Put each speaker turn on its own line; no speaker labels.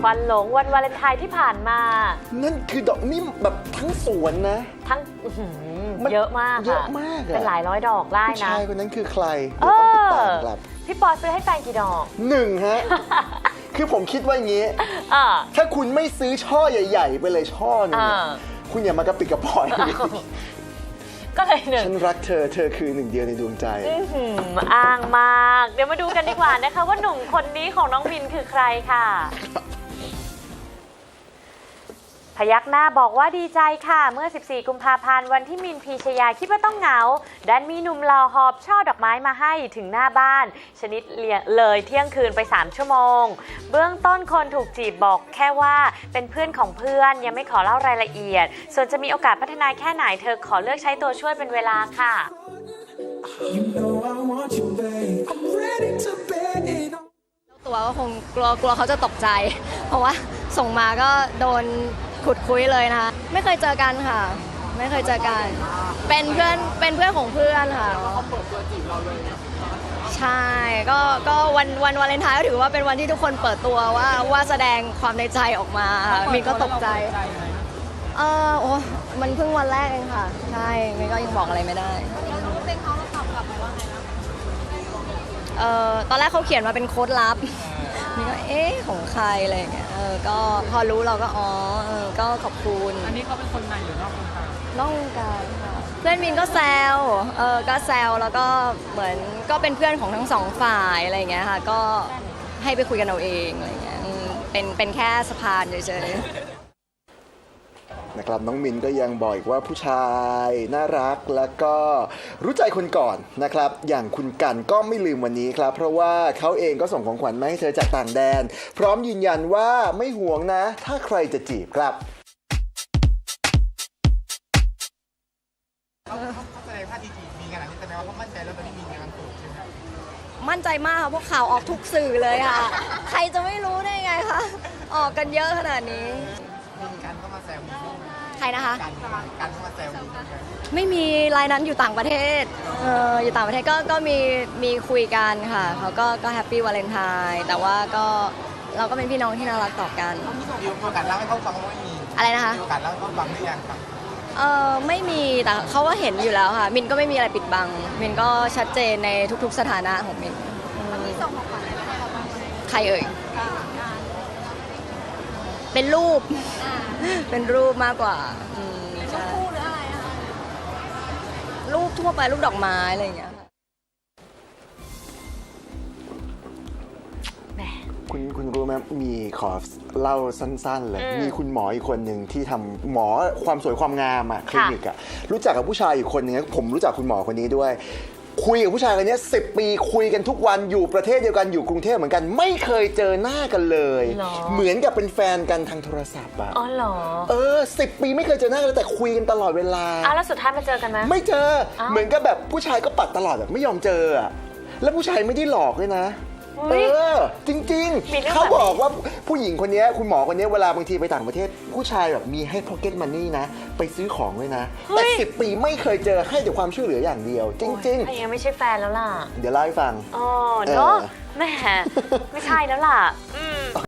วันหลงวันวาเลนไทน์ที่ผ่านมา
นั่นคือดอกนี่แบบทั้งสวนนะ
ทั้งเยอะมาก
เยอะมาก
เป็นหลายร้อยดอกได้นะ
ผู้ชายคนนั้นคือใครเดี๋ยวต้องติดตามครับ
พี่ปอซื้อให้แฟนกี่ดอก
1ฮะ คือผมคิดว่าอย่างนี้ถ้าคุณไม่ซื้อช่อใหญ่ๆไปเลยช่อนึงคุณอย่ามากระปิดกระปอย
ก็เลยหนึ่ง
ฉันรักเธอเธอคือหนึ่งเดียวในดวงใจ
อ้างมากเดี๋ยวมาดูกันดีกว่านะคะว่าหนุ่มคนนี้ของน้องมินคือใครค่ะพยักหน้าบอกว่าดีใจค่ะเมื่อ14กุมภาพันธ์วันที่มินพีชยาคิดว่าต้องเหงาดันมีหนุ่มหล่อหอบช่อดอกไม้มาให้ถึงหน้าบ้านชนิดเลยเที่ยงคืนไป3ชั่วโมงเบื้องต้นคนถูกจีบบอกแค่ว่าเป็นเพื่อนของเพื่อนยังไม่ขอเล่ารายละเอียดส่วนจะมีโอกาสพัฒนาแค่ไหนเธอขอเลือกใช้ตัวช่วยเป็นเวลาค่ะ
ตัวก็คงกลัวเขาจะตกใจเพราะว่าส่งมาก็โดนขุดคุยเลยนะคะไม่เคยเจอกันค่ะไม่เคยเจอกันเป็นเพื่อนของเพื่อนค่ะเขาเปิดตัวจีบเราเลยใช่ก็วันวาเลนไทน์ก็ถือว่าเป็นวันที่ทุกคนเปิดตัวว่าแสดงความในใจออกมามินก็ตกใจโอ้มันเพิ่งวันแรกเองค่ะใช่มินก็ยังบอกอะไรไม่ได้เราเป็นเขาเราตอบกลับไปว่าไงนะตอนแรกเขาเขียนมาเป็นโค้ดลับนี่ก็ของใครอะไรอย่างเงี้ยก็พอรู้เราก็ก็ขอบคุณ
อันนี้เขาเป็นคนในหรือนอกวงการ
นอกวงการค่ะเพื่อนมินก็แซวก็แซวแล้วก็เหมือนก็เป็นเพื่อนของทั้งสองฝ่ายอะไรอย่างเงี้ยค่ะก็ให้ไปคุยกันเอาเองอะไรอย่างเงี้ยเป็นแค่สะพานเฉยๆ
นะครับน้องมินก็ยังบอกอีกว่าผู้ชายน่ารักแล้วก็รู้ใจคนก่อนนะครับอย่างคุณกันก็ไม่ลืมวันนี้ครับเพราะว่าเขาเองก็ส่งของขวัญมาให้เธอจากต่างแดนพร้อมยืนยันว่าไม่ห่วงนะถ้าใครจะจีบครับ
เขาแสดงท่าทีจีบมีขนาดนี้แสดงว่าเขามั่นใจแล้วตอนนี้มีงานโสดใช่ไหม
มั่นใจมากค่ะพวกข่าวออกทุกสื่อเลยค่ะใครจะไม่รู้ได้ไงคะออกกันเยอะขนาดนี้
กันก็มาแซว
ใครนะคะ
กันก็มาแซว
ไม่มีรายนั้นอยู่ต่างประเทศอยู่ต่างประเทศก็มีคุยกันค่ะเขาก็แฮปปี้วาเลนไทน์แต่ว่าก็เราก็เป็นพี่น้องที่น่ารักต่อกัน
มีโอกาสเล่าให้เขาฟังว่าไม่มี
อะไรนะคะ
มีโอกาสเล่าให้เขาฟังหรือยังครับ
ไม่มีแต่เขาก็เห็นอยู่แล้วค่ะมินก็ไม่มีอะไรปิดบังมินก็ชัดเจนในทุกๆสถานะของมินมีส่งของขวัญอะไรบ้างใครเอ่ยเป็นรูปเป็นรูปมากกว่ารูปคู่หรืออะไรคะรูปทั่วไปรูปดอกไม้อะไรอย่างเงี้ย
คุณรู้ไหมมีขอเล่าสั้นๆเลยมีคุณหมออีกคนหนึ่งที่ทำหมอความสวยความงามคลินิกรู้จักกับผู้ชายอีกคนหนึ่งผมรู้จักคุณหมอคนนี้ด้วยคุยกับผู้ชายคนนี้10 ปีคุยกันทุกวันอยู่ประเทศเดียวกันอยู่กรุงเทพเหมือนกันไม่เคยเจอหน้ากันเลยเหมือนกับเป็นแฟนกันทางโทรศัพท์
อ๋อเหรอ
10 ปีไม่เคยเจอหน้ากันแต่คุยกันตลอดเวลา
แล้วสุดท้ายมาเจอกันไหม
ไม่เจอเหมือนกับแบบผู้ชายก็ปัดตลอดแบบไม่ยอมเจอแล้วผู้ชายไม่ได้หลอกเลยนะจริงๆเขาบอกว่าผู้หญิงคนนี้คุณหมอคนนี้เวลาบางทีไปต่างประเทศผู้ชายแบบมีให้ pocket money นะไปซื้อของเลยนะแต่10 ปีไม่เคยเจอให้แต่ความช่วยเหลืออย่างเดียวจริง
ๆยังไม่ใช่แฟนแล้วล่ะ
เดี๋ยวเล่าให้ฟัง
เนาะแม่ไม่ใช่แล้วล่ะ